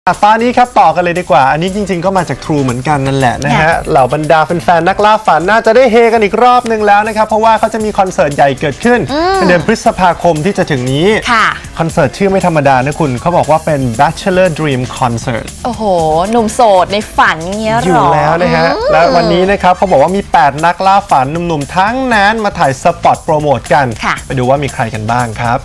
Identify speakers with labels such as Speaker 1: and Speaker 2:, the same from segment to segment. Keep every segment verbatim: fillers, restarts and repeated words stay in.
Speaker 1: ฟ้านี้ครับต่อกันเลยดีกว่าอันนี้จริงๆก็มาจาก True เหมือนกันนั่นแหละนะฮะเหล่าบรรดาแฟนๆนักล่าฝันน่าจะได้เฮกันอีกรอบนึงแล้วนะครับเพราะว่าเขาจะมีคอนเสิร์ตใหญ่เกิดขึ้นในเดือนพฤษภาคมที่จะถึงนี้คอนเสิร์ตชื่อไม่ธรรมดานะคุณเขาบอกว่าเป็น Bachelor Dream Concert
Speaker 2: โอ้โหหนุ่มโสดในฝันเงี้ยหรอ
Speaker 1: อยู่แล้วนะฮะและวันนี้นะครับเขาบอกว่ามีแปดนักล่าฝันหนุ่มๆทั้งนั้นมาถ่ายสปอตโปรโมทกันไปดูว่ามีใครกันบ้างครับ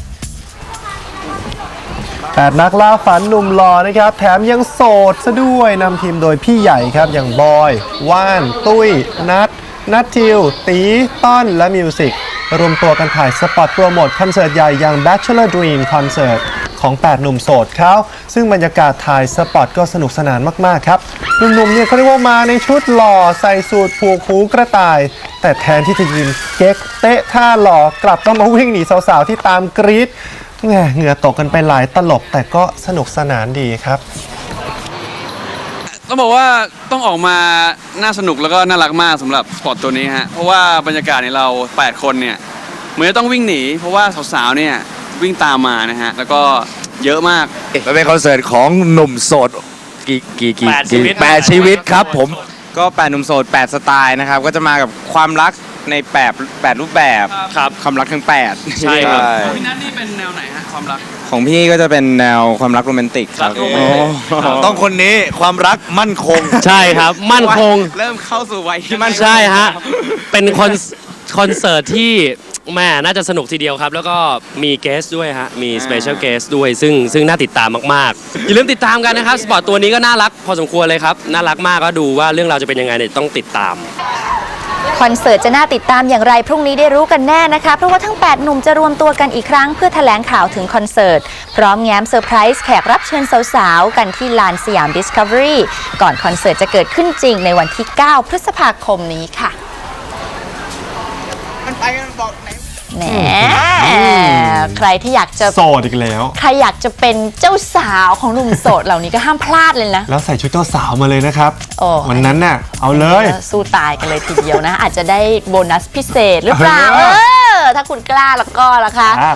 Speaker 1: แปดนักล่าฝันหนุ่มหล่อนะครับแถมยังโสดซะด้วยนำทีมโดยพี่ใหญ่ครับอย่างบอยว่านตุ้ยนัทนัททิวตีต้นและมิวสิกรวมตัวกันถ่ายสปอตโปรโมทคอนเสิร์ตใหญ่อย่าง Bachelor Dream Concert ของแปดหนุ่มโสดเขาซึ่งบรรยากาศถ่ายสปอตก็สนุกสนานมากๆครับหนุ่มๆเนี่ยเขาเรียกว่ามาในชุดหล่อใส่สูทผูกหูกระต่ายแต่แทนที่จะยืนเก๊กเตะท่าหล่อกลับต้องมาวิ่งหนีสาวๆที่ตามกรี๊ดเหงื่อตกกันไปหลายตลบแต่ก็สนุกสนานดีครับ
Speaker 3: ต้องบอกว่าต้องออกมาน่าสนุกแล้วก็น่ารักมากสำหรับสปอร์ตตัวนี้ฮะเพราะว่าบรรยากาศในเราแปดคนเนี่ยเหมือนจะต้องวิ่งหนีเพราะว่าสาวๆเนี่ยวิ่งตามมานะฮะแล้วก็เยอะมาก
Speaker 4: มันเป็นคอนเสิร์ตของหนุ่มโสดกี่กี่กี่
Speaker 5: แปดชีวิต
Speaker 4: แปดชีวิตครับผม
Speaker 6: ก็แปดหนุ่มโสดแปดสไตล์นะครับก็จะมากับความรักในแปดแปดรูปแบบ
Speaker 5: ครับ
Speaker 6: ความรักทั้งแปด
Speaker 5: ใช่ครับ
Speaker 3: พี่นัทนี่เป็นแนวไหนฮะความรัก
Speaker 6: ของพี่ก็จะเป็นแนวความรักโรแมนติกครับ
Speaker 5: รักโรแมนติก
Speaker 4: ต้องคนนี้ความรักมั่นคง
Speaker 5: ใช่ครับ มั่นคง
Speaker 6: เริ่มเข้าสู่วัยที่มั่น
Speaker 5: ใช่ฮะ เป็นคอนคอนเสิร์ตที่แม่น่าจะสนุกทีเดียวครับ แล้วก็มีเกสด้วยฮะ มีสเปเชียลเกสด้วย ซึ่งซึ่งน่าติดตามมากๆ อย่าลืมติดตามกันนะครับ สปอร์ตตัวนี้ก็น่ารักพอสมควรเลยครับ น่ารักมากก็ดูว่าเรื่องราวจะเป็นยังไงเนี่ยต้องติดตาม
Speaker 2: คอนเสิร์ตจะน่าติดตามอย่างไรพรุ่งนี้ได้รู้กันแน่นะคะเพราะว่าทั้งแปดหนุ่มจะรวมตัวกันอีกครั้งเพื่อแถลงข่าวถึงคอนเสิร์ตพร้อมแง้มเซอร์ไพรส์แขกรับเชิญสาวๆกันที่ลานสยาม Discovery ก่อนคอนเสิร์ตจะเกิดขึ้นจริงในวันที่เก้าพฤษภาคมนี้ค่ะแหมใครที่อยากจะ
Speaker 1: โสดอีกแล้ว
Speaker 2: ใครอยากจะเป็นเจ้าสาวของหนุ่มโสดเหล่านี้ก็ห้ามพลาดเลยนะ
Speaker 1: แล้วใส่ชุดเจ้าสาวมาเลยนะครับ
Speaker 2: โอ้
Speaker 1: วันนั้นน่ะเอาเลย
Speaker 2: สู้ตายกันเลยทีเดียวนะ อาจจะได้โบนัสพิเศษหรือเปล่า
Speaker 1: เอ
Speaker 2: เอ
Speaker 1: อ
Speaker 2: อ ถ้าคุณกล้าแล้วก็ล่ะคะ